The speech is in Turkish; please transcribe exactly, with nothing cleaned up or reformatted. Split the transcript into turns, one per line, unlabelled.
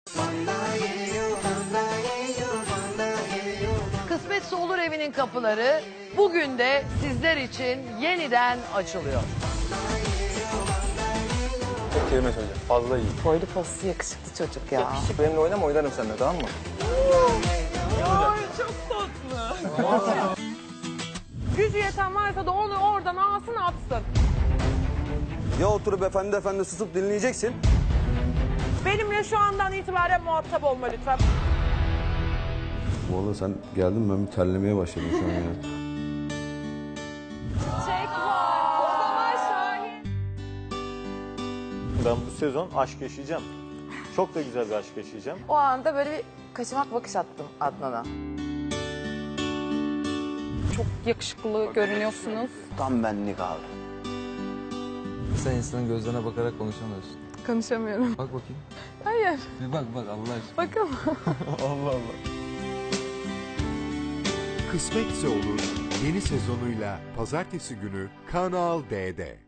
Kısmetse Olur evinin kapıları bugün de sizler için yeniden açılıyor.
Tek kelime söyleyeceğim. Fazla iyi.
Boylu poslu yakışıklı çocuk ya.
Benimle oynama, oynarım seninle, tamam mı?
Ay çok tatlı. Gücü yeten varsa da onu oradan alsın atsın.
Ya oturup efendi efendi susup dinleyeceksin.
Benimle şu andan itibaren muhatap olma lütfen.
Vallahi sen geldin, ben bir terlemeye başladım şu an ya.
Çek var. O zaman Şahin.
Ben bu sezon aşk yaşayacağım. Çok da güzel bir aşk yaşayacağım.
O anda böyle bir kaçamak bakış attım Adnan'a.
Çok yakışıklı görünüyorsunuz.
Tam benlik abi.
Sen insanın gözlerine bakarak konuşamıyorsun.
Konuşamıyorum.
Bak bakayım.
Hayır.
Bir bak bak Allah aşkına.
Bakalım.
Allah Allah.
Kısmetse Olur yeni sezonuyla pazartesi günü Kanal D'de.